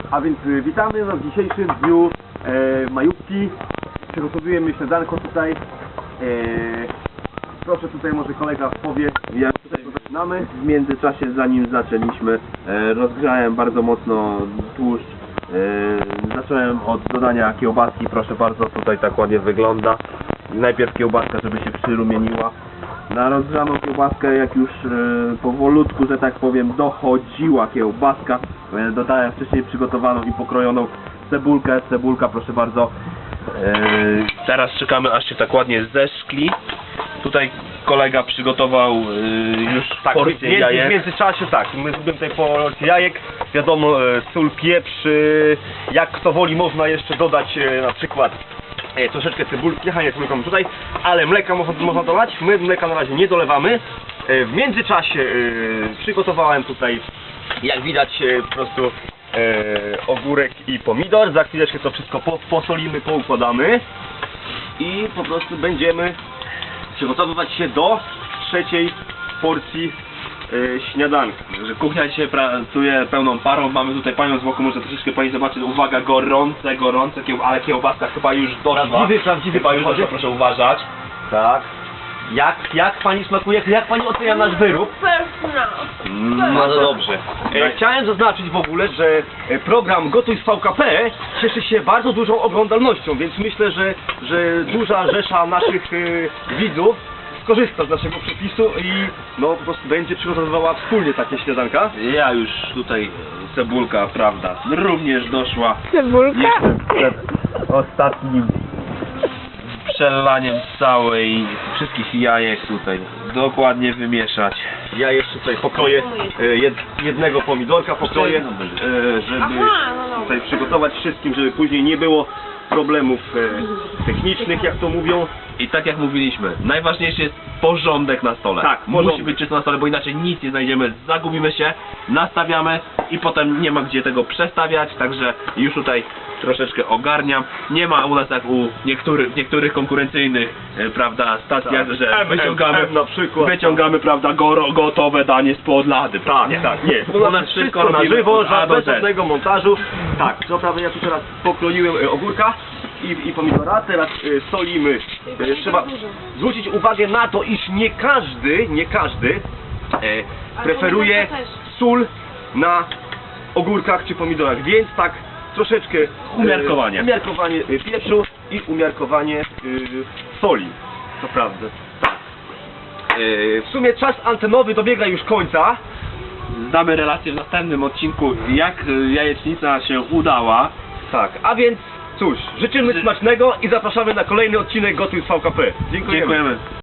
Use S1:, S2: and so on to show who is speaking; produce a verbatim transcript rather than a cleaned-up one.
S1: A więc y, witamy no, w dzisiejszym dniu e, majówki. Przygotowujemy śniadanko tutaj. E, proszę tutaj może kolega powie, jak tutaj zaczynamy.
S2: W międzyczasie, zanim zaczęliśmy, e, rozgrzałem bardzo mocno tłuszcz. E, zacząłem od dodania kiełbaski, proszę bardzo, tutaj tak ładnie wygląda. Najpierw kiełbaska, żeby się przyrumieniła. Na rozgrzaną kiełbaskę, jak już e, powolutku, że tak powiem, dochodziła kiełbaska, e, dodałem wcześniej przygotowaną i pokrojoną cebulkę. Cebulka, proszę bardzo. E, teraz czekamy, aż się tak ładnie zeszkli. Tutaj kolega przygotował e, już
S3: tak,
S2: porcję
S3: w,
S2: jajek.
S3: w międzyczasie tak, my zrobimy tutaj porcję jajek, wiadomo, e, sól, pieprz, e, jak kto woli można jeszcze dodać e, na przykład e, troszeczkę cebulki, jechanie cebulką tutaj, ale mleka można, można dolać, my mleka na razie nie dolewamy. E, w międzyczasie e, przygotowałem tutaj, jak widać, e, po prostu e, ogórek i pomidor, za chwileczkę to wszystko po, posolimy, poukładamy i po prostu będziemy przygotowywać się do trzeciej porcji e, śniadanka.
S2: Że kuchnia dzisiaj pracuje pełną parą, mamy tutaj panią z boku, może troszeczkę pani zobaczyć, uwaga, gorące, gorące, kieł, ale kiełbaska chyba już doszła.
S3: Prawdziwy, prawdziwy
S2: chyba już doszła, proszę uważać. Tak.
S3: Jak, jak pani smakuje, jak pani ocenia nasz wyrób?
S4: Pyszna.
S2: No to dobrze.
S3: E, chciałem zaznaczyć w ogóle, że e, program Gotuj z V K P cieszy się bardzo dużą oglądalnością, więc myślę, że, że duża rzesza naszych e, widzów skorzysta z naszego przepisu i no po prostu będzie przygotowywała wspólnie takie śniadanka.
S2: Ja już tutaj, cebulka, prawda, również doszła.
S4: Cebulka?
S2: Jeszcze przed ostatnim przelaniem całej, wszystkich jajek tutaj dokładnie wymieszać.
S3: Ja jeszcze tutaj pokroję e, jed, jednego pomidorka, pokroję, e, żeby
S4: Aha, no dobra.
S3: tutaj przygotować wszystkim, żeby później nie było problemów e, technicznych, jak to mówią.
S2: I tak jak mówiliśmy, najważniejszy jest porządek na stole.
S3: Tak,
S2: musi
S3: porządek.
S2: być czysto na stole, bo inaczej nic nie znajdziemy, zagubimy się, nastawiamy i potem nie ma gdzie tego przestawiać, także już tutaj troszeczkę ogarniam. Nie ma u nas jak u niektórych, niektórych konkurencyjnych, e, prawda, stacjach,
S3: Tak.
S2: że
S3: M,
S2: wyciągamy,
S3: M, M na przykład.
S2: wyciągamy, prawda, goro, gotowe danie spod lady.
S3: Tak,
S2: nie.
S3: tak, nie.
S2: U nas wszystko
S3: na
S2: robimy
S3: żywo,
S2: od A do
S3: bez
S2: Z.
S3: żadnego montażu. Tak, co prawda ja tu teraz pokroiłem e, ogórka i, i pomidora, teraz e, solimy. E, trzeba zwrócić uwagę na to, iż nie każdy, nie każdy e, preferuje sól na ogórkach czy pomidorach, więc tak troszeczkę e,
S2: Umiarkowanie.
S3: umiarkowanie e, pieprzu i umiarkowanie e, soli. To prawda. Tak. E, w sumie czas antenowy dobiega już końca.
S2: Zdamy relację w następnym odcinku, jak y, jajecznica się udała.
S3: Tak, a więc cóż, życzymy smacznego i zapraszamy na kolejny odcinek Gotuj z V K P. Dziękujemy.
S2: Dziękujemy.